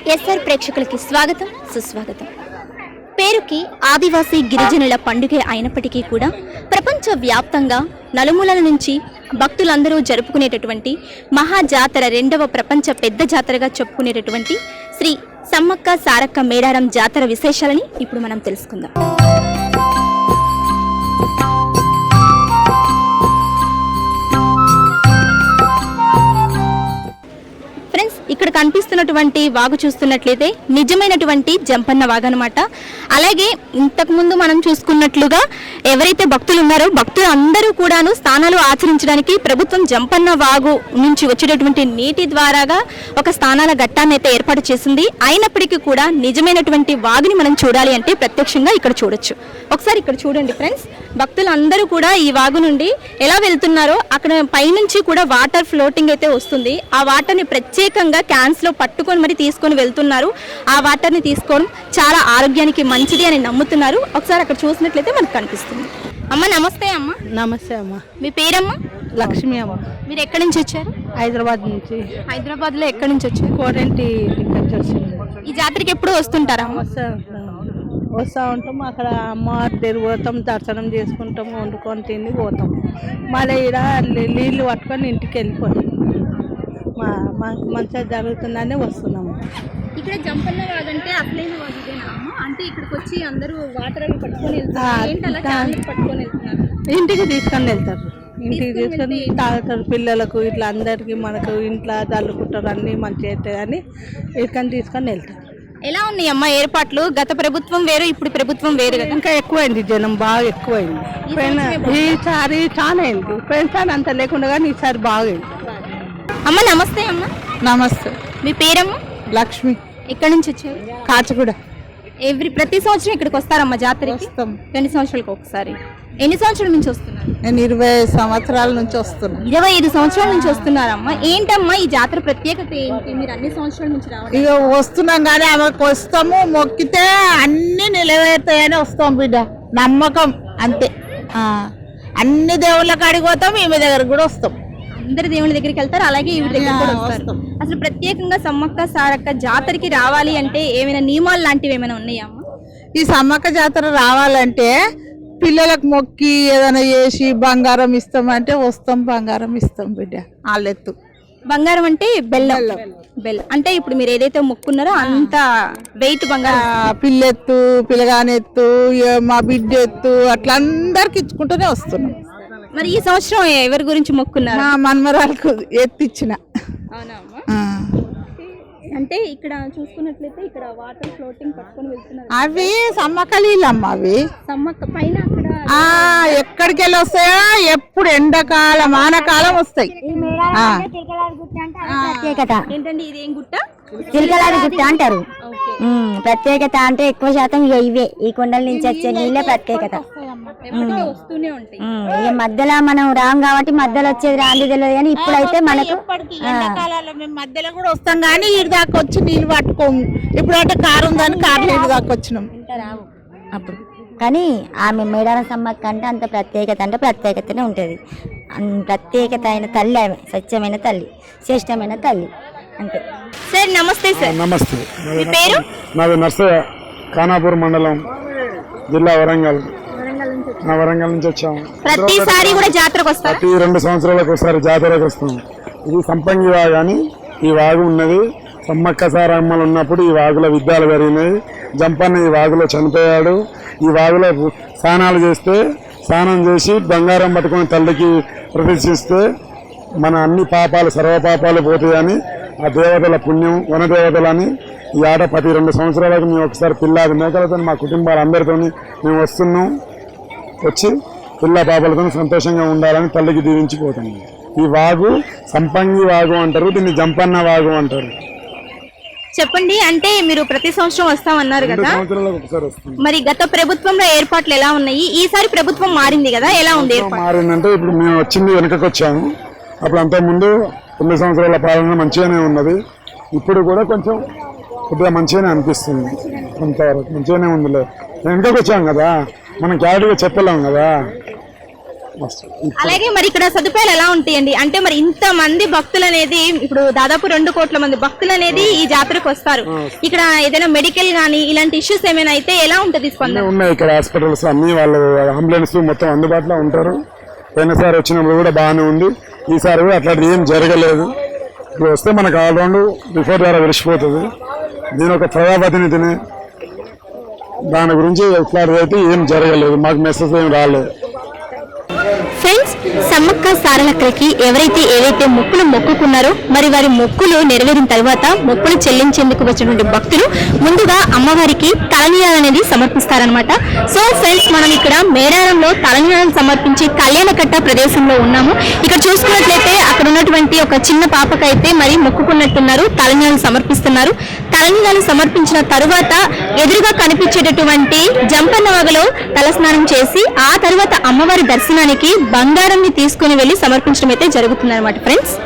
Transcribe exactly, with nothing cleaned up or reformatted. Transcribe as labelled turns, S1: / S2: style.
S1: SR ప్రేక్షకులకి స్వాగతం సుస్వాగతం. పేరుకి ఆదివాసీ గిరిజనుల పండుగ అయినప్పటికీ కూడా ప్రపంచ వ్యాప్తంగా నలుమూలల నుంచి భక్తులందరూ జరుపుకునేటటువంటి మహాజాతర, రెండవ ప్రపంచ పెద్ద జాతరగా చెప్పుకునేటటువంటి శ్రీ సమ్మక్క సారక్క మేడారం జాతర విశేషాలని ఇప్పుడు మనం తెలుసుకుందాం. ఇక్కడ కనిపిస్తున్నటువంటి వాగు చూస్తున్నట్లయితే నిజమైనటువంటి జంపన్న వాగు అనమాట. అలాగే ఇంతకుముందు మనం చూసుకున్నట్లుగా ఎవరైతే భక్తులు ఉన్నారో భక్తులు అందరూ కూడాను స్నానాలు ఆచరించడానికి ప్రభుత్వం జంపన్న వాగు నుంచి వచ్చేటటువంటి నీటి ద్వారాగా ఒక స్నానాల ఘట్టాన్ని అయితే ఏర్పాటు చేసింది. అయినప్పటికీ కూడా నిజమైనటువంటి వాగుని మనం చూడాలి అంటే ప్రత్యక్షంగా ఇక్కడ చూడొచ్చు. ఒకసారి ఇక్కడ చూడండి ఫ్రెండ్స్, భక్తులు అందరూ కూడా ఈ వాగు నుండి ఎలా వెళ్తున్నారో అక్కడ పైనుంచి కూడా వాటర్ ఫ్లోటింగ్ అయితే వస్తుంది. ఆ వాటర్ని ప్రత్యేకంగా క్యాన్స్ లో పట్టుకొని మరి తీసుకొని వెళ్తున్నారు. ఆ వాటర్ ని తీసుకోవడం చాలా ఆరోగ్యానికి మంచిది అని నమ్ముతున్నారు. ఒకసారి అక్కడ చూసినట్లయితే మనకు కనిపిస్తుంది. అమ్మ నమస్తే. అమ్మ
S2: నమస్తే అమ్మ.
S1: మీ పేరమ్మా?
S2: లక్ష్మి అమ్మ.
S1: మీరు ఎక్కడి నుంచి వచ్చారు?
S2: హైదరాబాద్ నుంచి.
S1: హైదరాబాద్ లో ఎక్కడి నుంచి వచ్చారు?
S2: కోరంటి నుంచి వచ్చింది.
S1: ఈ జాతరకి ఎప్పుడు వస్తుంటారా?
S2: వస్తా వస్తూ ఉంటాం. అక్కడ అమ్మవారి దగ్గర పోతాం, దర్శనం చేసుకుంటాం, వండుకొని తిని పోతాం. మళ్ళీ ఇక్కడ నీళ్ళు పట్టుకొని ఇంటికి వెళ్ళిపోతాం. మా మాకు మంచిగా జరుగుతుందని వస్తున్నాము.
S1: ఇక్కడ జంపన్న వాగు అంటే అసలైన వాగు ఇదేనా అమ్మ? అంటే ఇక్కడికి వచ్చి అందరూ వాటర్ అవి పట్టుకొని వెళ్తారు, పట్టుకొని వెళ్తున్నారు.
S2: ఇంటికి తీసుకొని వెళ్తారు. ఇంటికి తీసుకొని తాగుతారు. పిల్లలకు ఇట్లా అందరికి మనకు ఇంట్లో చల్లుకుంటారు, అన్నీ మంచిగా అవుతాయి అని ఇక్కడ తీసుకొని వెళ్తారు.
S1: ఎలా ఉన్నాయి అమ్మ ఏర్పాట్లు? గత ప్రభుత్వం వేరు, ఇప్పుడు ప్రభుత్వం వేరు కదా.
S2: ఇంకా ఎక్కువైంది, జనం బాగా ఎక్కువైంది. ఈసారి చాలా అయింది. పోయినసారి అంత లేకుండా కానీ ఈసారి బాగైంది.
S1: అమ్మ నమస్తే. అమ్మ
S2: నమస్తే.
S1: మీ పేరమ్మా?
S2: లక్ష్మి.
S1: ఎక్కడి నుంచి వచ్చారు?
S2: కాచిగూడ.
S1: ఎవ్రీ ప్రతి సంవత్సరం ఇక్కడికి వస్తారమ్మా జాతరకి? రెండు సంవత్సరాలకు ఒకసారి. ఎన్ని సంవత్సరాల నుంచి వస్తున్నారు?
S2: నేను ఇరవై సంవత్సరాల నుంచి వస్తున్నా.
S1: ఇరవై ఐదు సంవత్సరాల నుంచి వస్తున్నారమ్మా. ఏంటమ్మా ఈ జాతర ప్రత్యేకత ఏంటి? మీరు అన్ని సంవత్సరాల నుంచి రావాలి?
S2: ఇక వస్తున్నాం కానీ ఆమెకు వస్తాము, మొక్కితే అన్ని నిలవేరుతాయని వస్తాం బిడ్డ. నమ్మకం అంతే. అన్ని దేవుళ్ళ కాడికి పోతాం, ఈమె దగ్గర కూడా వస్తాం.
S1: అందరి దేవుళ్ళ దగ్గరికి వెళ్తారు, అలాగే ఈవిడ దగ్గర కూడా వస్తారు. అసలు ప్రత్యేకంగా సమ్మక్క సారక్క జాతరకి రావాలి అంటే ఏమైనా నియమాలు లాంటివి ఏమైనా ఉన్నాయమ్మా?
S2: ఈ సమ్మక్క జాతర రావాలంటే పిల్లలకు మొక్కి ఏదైనా చేసి బంగారం ఇస్తామంటే వస్తాం, బంగారం ఇస్తాం బిడ్డ. వాళ్ళెత్తు
S1: బంగారం అంటే బెల్లం. బెల్లం అంటే ఇప్పుడు మీరు ఏదైతే మొక్కున్నారో అంత వెయిట్ బంగారం.
S2: పిల్లెత్తు, పిల్లగానెత్తు, మా బిడ్డ ఎత్తు, అట్లా అందరికి ఇచ్చుకుంటూనే వస్తున్నాం.
S1: మరి ఈ సంవత్సరం ఎవరి గురించి మొక్కున్నారు?
S2: మా మనమరాలకు ఎత్తిచ్చిన.
S1: అంటే ఇక్కడ చూసుకున్నట్లయితే ఇక్కడ వాటర్ ఫ్లోటింగ్ పట్టుకొని వెళ్తున్నారు.
S2: అవి సమ్మక్క నీళ్ళమ్మ. అవి
S1: సమ్మక్క పైన అక్కడ
S2: ఎక్కడికి వెళ్ళి వస్తాయో, ఎప్పుడు ఎండాకాలం వానకాలం వస్తాయి.
S1: ఏంటంటే ఇది ఏం గుట్ట?
S3: చిలకలాడి గుట్ట అంటారు. ప్రత్యేకత అంటే ఎక్కువ శాతం ఇక ఇవే, ఈ కొండల నుంచి వచ్చే నీళ్ళే ప్రత్యేకత.
S1: వస్తూనే ఉంటాయి.
S2: ఇక మధ్యలో మనం రాం కాబట్టి మధ్యలో వచ్చేది రాంది తెలియదు, కానీ ఇప్పుడైతే మనకు మేము మధ్యలో కూడా వస్తాం కానీ ఇటు దాకా వచ్చి నీళ్ళు పట్టుకోము. ఇప్పుడు అంటే కారు ఉందని కారు నీళ్ళు దాకా వచ్చినాం
S3: అప్పుడు. కానీ ఆమె మేడారం సమ్మక్క అంటే అంత ప్రత్యేకత అంటే ప్రత్యేకతనే ఉంటుంది. ప్రత్యేకత అయిన తల్లి ఆమె, సత్యమైన తల్లి, శ్రేష్టమైన తల్లి అంతే.
S1: సార్ నమస్తే. సార్
S4: నమస్తే.
S1: మీ పేరు?
S4: నాది నర్సయ్య, ఖానాపూర్ మండలం, జిల్లా వరంగల్. నా వరంగల్ నుంచి వచ్చాము.
S1: ప్రతిసారి కూడా జాతరకు వస్తాం.
S4: ప్రతి రెండు సంవత్సరాలకు ఒకసారి జాతరకు వస్తాం. ఇది సంపంగి వాగు అని ఈ వాగు ఉన్నది. సమ్మక్క సారమ్మలు ఉన్నప్పుడు ఈ వాగులో యుద్ధాలు జరిగినాయి. జంపన్న ఈ వాగులో చనిపోయాడు. ఈ వాగులో స్నానాలు చేస్తే, స్నానం చేసి బంగారం పట్టుకొని తల్లికి ప్రదర్శిస్తే మన అన్ని పాపాలు, సర్వపాపాలు పోతాయని ఆ దేవతల పుణ్యం, వనదేవతలని ఈ ఆట ప్రతి రెండు సంవత్సరాలకు మేము ఒకసారి పిల్లాది మేకలతో మా కుటుంబాలందరితో మేము వస్తున్నాం. వచ్చి పిల్ల పాపలతో సంతోషంగా ఉండాలని తల్లికి దీవించిపోతున్నాం. ఈ వాగు సంపంగి వాగు అంటారు, దీన్ని జంపన్న వాగు అంటారు.
S1: చెప్పండి, అంటే మీరు ప్రతి సంవత్సరం వస్తామన్నారు కదా, మరి గత ప్రభుత్వంలో ఏర్పాట్లు ఎలా ఉన్నాయి? ఈసారి ప్రభుత్వం మారింది కదా, ఎలా ఉంది?
S4: మారిందంటే ఇప్పుడు మేము వచ్చింది వెనకకు వచ్చాము. అప్పుడు అంతకుముందు తొమ్మిది సంవత్సరాల పాలన మంచిగానే ఉన్నది. ఇప్పుడు కూడా కొంచెం కొద్దిగా మంచిగానే అనిపిస్తుంది. కొంతవరకు మంచిగానే ఉందిలే. వెనకకు వచ్చాం కదా, మనం క్యారెక్టర్గా చెప్పలేము కదా. మస్తు.
S1: అలాగే మరి ఇక్కడ సదుపాయాలు ఎలా ఉంటాయండి? అంటే మరి ఇంత మంది భక్తులు అనేది ఇప్పుడు దాదాపు రెండు కోట్ల మంది భక్తులు అనేది ఈ జాతరకు వస్తారు. ఇక్కడ ఏదైనా మెడికల్ గానీ ఇలాంటి ఇష్యూస్ ఏమైనా అయితే ఎలా ఉంటది స్పందన?
S4: అన్నీ ఉన్నాయి ఇక్కడ హాస్పిటల్స్ అన్ని, వాళ్ళు అంబులెన్స్ మొత్తం అందుబాటులో ఉంటారు. పోయినసారి వచ్చినప్పుడు కూడా బాగానే ఉంది, ఈసారి కూడా అట్లాంటిది ఏం జరగలేదు. ఇప్పుడు వస్తే మనకు ఆల్రౌండ్ బిఫోర్ ద్వారా విడిచిపోతుంది. నేను ఒక ప్రజాప్రతినిధిని, దాని గురించి ఇట్లాంటిది అయితే ఏం జరగలేదు, మాకు మెసేజ్ ఏం రాలేదు.
S1: ఫ్రెండ్స్, సమ్మక్క సారలక్కలకి ఎవరైతే ఏవైతే మొక్కులు మొక్కుకున్నారో మరి వారి మొక్కులు నెరవేరిన తర్వాత మొక్కులు చెల్లించేందుకు వచ్చినటువంటి భక్తులు ముందుగా అమ్మవారికి తలనీలాలు అనేది సమర్పిస్తారనమాట. సో ఫ్రెండ్స్, మనం ఇక్కడ మేడారంలో తలనీలాలు సమర్పించి కళ్యాణకట్ట ప్రదేశంలో ఉన్నాము. ఇక్కడ చూసుకున్నట్లయితే అక్కడ ఉన్నటువంటి ఒక చిన్న పాపకైతే మరి మొక్కుకున్నట్టున్నారు, తలనీలాలు సమర్పిస్తున్నారు. తలనీలాలు సమర్పించిన తరువాత ఎదురుగా కనిపించేటటువంటి జంపన్న వాగులో తలస్నానం చేసి ఆ తర్వాత అమ్మవారి దర్శనానికి బంగారం తీసుకుని వెళ్లి సమర్పించడం అయితే జరుగుతుంది అనమాట ఫ్రెండ్స్.